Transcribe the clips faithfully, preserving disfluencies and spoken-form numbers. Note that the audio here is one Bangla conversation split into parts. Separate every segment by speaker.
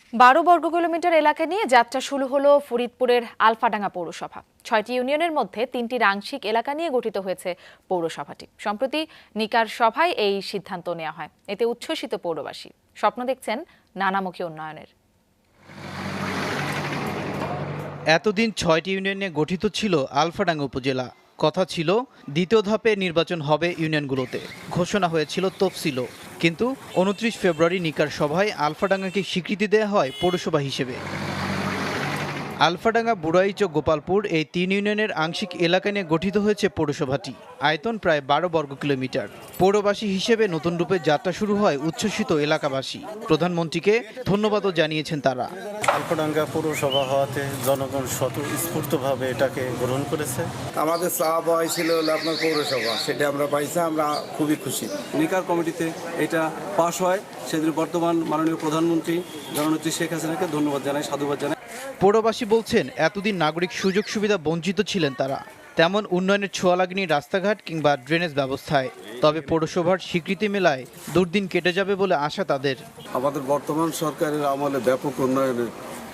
Speaker 1: বারো বর্গ কিলোমিটার এলাকা নিয়ে যাত্রা শুরু হলো ফরিদপুরের আলফাডাঙ্গা পৌরসভা। ছয়টি ইউনিয়নের মধ্যে তিনটির আংশিক এলাকা নিয়ে গঠিত হয়েছে পৌরসভাটি। সম্প্রতি নিকার সভায় এই সিদ্ধান্ত নেওয়া হয়। এতে উচ্ছ্বসিত পৌরবাসী, স্বপ্ন দেখছেন নানামুখী উন্নয়নের।
Speaker 2: এতদিন ছয়টি ইউনিয়নে গঠিত ছিল আলফাডাঙ্গা উপজেলা। কথা ছিল দ্বিতীয় ধাপে নির্বাচন হবে ইউনিয়নগুলোতে, ঘোষণা হয়েছিল তফসিলও। কিন্তু উনত্রিশ ফেব্রুয়ারি নিকার সভায় আলফাডাঙ্গাকে স্বীকৃতি দেওয়া হয় পৌরসভা হিসেবে। আলফাডাঙ্গা, বুড়াইচ ও গোপালপুর এই তিন ইউনিয়নের আংশিক এলাকা নিয়ে গঠিত হয়েছে পৌরসভাটি। আয়তন প্রায় বারো বর্গ কিলোমিটার। পৌরবাসী হিসেবে নতুন রূপে যাত্রা শুরু হয় উচ্ছ্বসিত এলাকাবাসী। প্রধানমন্ত্রীকে ধন্যবাদও জানিয়েছেন তারা।
Speaker 3: আলফাডাঙ্গা পৌরসভা হওয়াতে জনগণ স্বতঃস্ফূর্তভাবে এটাকে গ্রহণ করেছে।
Speaker 4: আমাদের চাওয়া পাওয়াই ছিল আপনার পৌরসভা, সেটা আমরা পাইছি, আমরা খুবই খুশি।
Speaker 5: নিকার কমিটিতে এটা পাশ হয়, সেদিন বর্তমান মাননীয় প্রধানমন্ত্রী জননেত্রী শেখ হাসিনাকে ধন্যবাদ জানাই, সাধুবাদ জানাই।
Speaker 2: পৌরবাসী বলছেন, এতদিন নাগরিক সুযোগ সুবিধা বঞ্চিত ছিলেন তারা, তেমন উন্নয়নের ছোঁয়া লাগেনি রাস্তাঘাট কিংবা ড্রেনেজ ব্যবস্থায়। তবে পৌরসভার স্বীকৃতি মেলায় দুর্দিন কেটে যাবে বলে আশা তাদের।
Speaker 6: আমাদের বর্তমান সরকারের আমলে ব্যাপক উন্নয়নের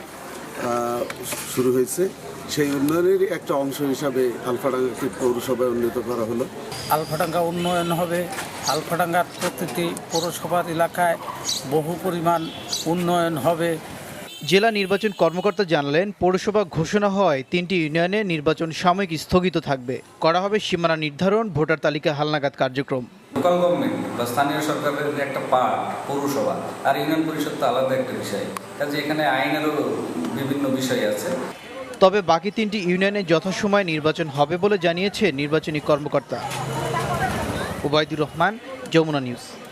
Speaker 6: শুরু হয়েছে, সেই উন্নয়নের একটা অংশ হিসাবে আলফাডাঙ্গাকে পৌরসভায় উন্নীত করা হলো।
Speaker 7: আলফাডাঙ্গা উন্নয়ন হবে, আলফাডাঙ্গার প্রতিটি পৌরসভার এলাকায় বহু পরিমাণ উন্নয়ন হবে।
Speaker 2: জেলা নির্বাচন কর্মকর্তা জানালেন, পৌরসভা ঘোষণা হয় তিনটি ইউনিয়নে নির্বাচন সাময়িক স্থগিত থাকবে। করা হবে সীমানা নির্ধারণ, ভোটার তালিকা হালনাগাদ কার্যক্রম।
Speaker 8: লোকাল গভর্নমেন্ট বা স্থানীয় সরকারের একটা পার্ট পৌরসভা, আর ইউনিয়ন পরিষদ তো আলাদা একটা বিষয়, কাজে এখানে আইনেরও বিভিন্ন বিষয় আছে।
Speaker 2: তবে বাকি তিনটি ইউনিয়নে যথাসময়ে নির্বাচন হবে বলে জানিয়েছে নির্বাচনী কর্মকর্তা। ওবায়দুর রহমান, যমুনা নিউজ।